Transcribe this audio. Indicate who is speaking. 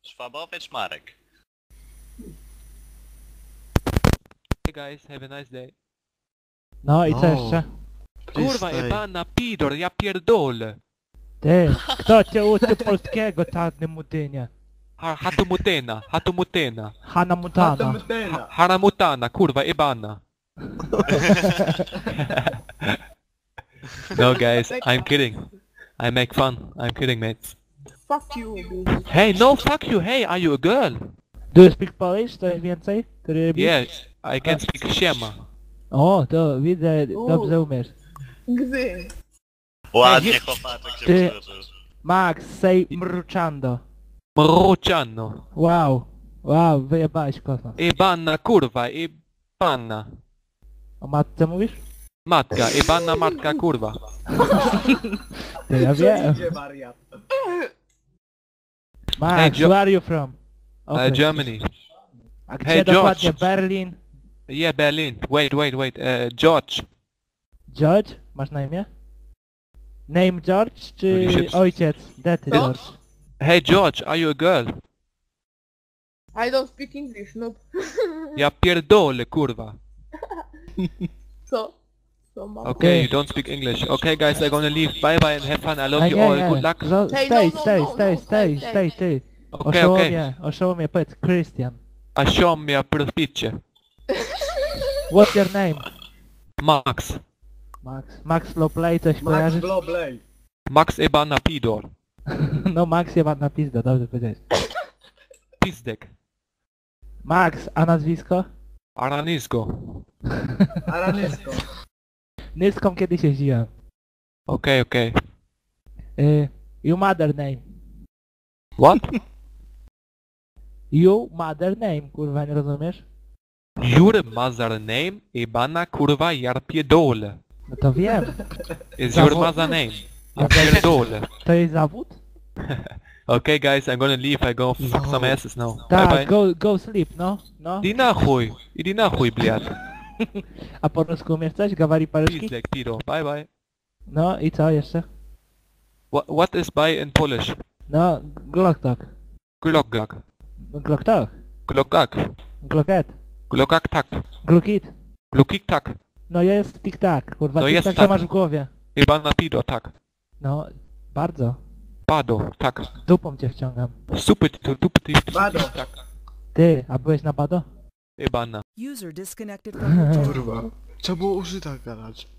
Speaker 1: Szwabowiec Marek.
Speaker 2: Hey guys, have a nice day.
Speaker 3: No i co jeszcze?
Speaker 2: Kurwa, jebana pidor, ja pierdolę.
Speaker 3: Ty, kto cię uczy polskiego, czarny mutynie?
Speaker 2: Hatumutena, hatumutena.
Speaker 3: Hana Montana.
Speaker 2: Haramutana, kurwa, jebana. No guys, I'm kidding. I make fun. I'm kidding, mates.
Speaker 4: Fuck you, bitch.
Speaker 2: Hey, no, fuck you. Hey, are you a girl?
Speaker 3: Do you speak Polish? Coś więcej?
Speaker 2: Yes, I can speak siema.
Speaker 3: O, to widzę, dobrze umiesz.
Speaker 4: Gzy.
Speaker 1: Ładnie chłopaczek się
Speaker 3: Ty-
Speaker 1: przyłożył.
Speaker 3: Max, say mruczando.
Speaker 2: Mruciano.
Speaker 3: Wow. Wow, wyjebałeś kosmos.
Speaker 2: Jebana, kurwa, jebana.
Speaker 3: O matce mówisz?
Speaker 2: Matka, jebana matka, kurwa.
Speaker 3: Ty, ja wiem.
Speaker 5: wariat.
Speaker 3: Max, where are you from? Okej.
Speaker 2: Germany.
Speaker 3: A gdzie
Speaker 2: hey,
Speaker 3: dokładnie?
Speaker 2: George.
Speaker 3: Berlin?
Speaker 2: Yeah, Berlin. Wait. George.
Speaker 3: George? Masz na imię? Name George czy
Speaker 2: Holy shit.
Speaker 3: ojciec? Dety
Speaker 4: No.
Speaker 3: George.
Speaker 2: Hey, George, are you a girl?
Speaker 4: I don't speak English, nope.
Speaker 2: Ja pierdolę, kurwa.
Speaker 4: Co? Co mam?
Speaker 2: Okay, you don't speak English. Okay, guys, I'm gonna leave. Bye bye and have fun. I love you all. Good luck.
Speaker 4: Hey,
Speaker 3: Stay,
Speaker 4: no,
Speaker 3: stay,
Speaker 4: no,
Speaker 3: stay,
Speaker 4: no,
Speaker 3: stay,
Speaker 4: stay,
Speaker 3: stay, ty.
Speaker 2: Okay, okay.
Speaker 3: Oszołomie, powiedz Christian.
Speaker 2: A show me a proficie.
Speaker 3: What's your name?
Speaker 2: Max.
Speaker 3: Max Lowplay, coś
Speaker 5: Max
Speaker 3: kojarzysz?
Speaker 5: Blobley.
Speaker 2: Max Ebana Pidor.
Speaker 3: No Max jeba na pizdę, dobrze powiedziałeś.
Speaker 2: Pizdek.
Speaker 3: Max, a nazwisko?
Speaker 2: Aranisko.
Speaker 5: Aranysko.
Speaker 3: Nyską kiedyś jeździłem.
Speaker 2: Okay.
Speaker 3: You mother name.
Speaker 2: What?
Speaker 3: You mother name, kurwa, nie rozumiesz?
Speaker 2: Your mother name? Ebana kurwa jar pierdolę.
Speaker 3: No to wiem.
Speaker 2: Is your mother name? Ja pierdolę.
Speaker 3: To jest zawód?
Speaker 2: Okay guys, I'm gonna leave. I go fuck some asses now. Bye
Speaker 3: Tak,
Speaker 2: bye.
Speaker 3: go sleep, no.
Speaker 2: Iди nахуй, блядь.
Speaker 3: A po polsku umiesz coś? Gawari paryżki?
Speaker 2: Pizdek, Pidor. Bye bye.
Speaker 3: No i co jeszcze?
Speaker 2: What is bye in Polish?
Speaker 3: No, Glocktok.
Speaker 2: Glockgak.
Speaker 3: Glocktok.
Speaker 2: Glockgak.
Speaker 3: Glocket.
Speaker 2: Glockak tak.
Speaker 3: Glukit.
Speaker 2: Glukik tak.
Speaker 3: No jest tik-tak, kurwa,
Speaker 2: No
Speaker 3: tik-tak
Speaker 2: jest
Speaker 3: to
Speaker 2: tak.
Speaker 3: masz w głowie.
Speaker 2: Ebana Pidor tak.
Speaker 3: No, bardzo.
Speaker 2: Pado tak.
Speaker 3: Dupą cię wciągam.
Speaker 2: Dupy
Speaker 5: Bado.
Speaker 2: tak.
Speaker 3: Ty, a byłeś na Bado?
Speaker 2: Ebana.
Speaker 6: User disconnected from your channel.
Speaker 7: Kurwa. Trzeba było użyta gadać.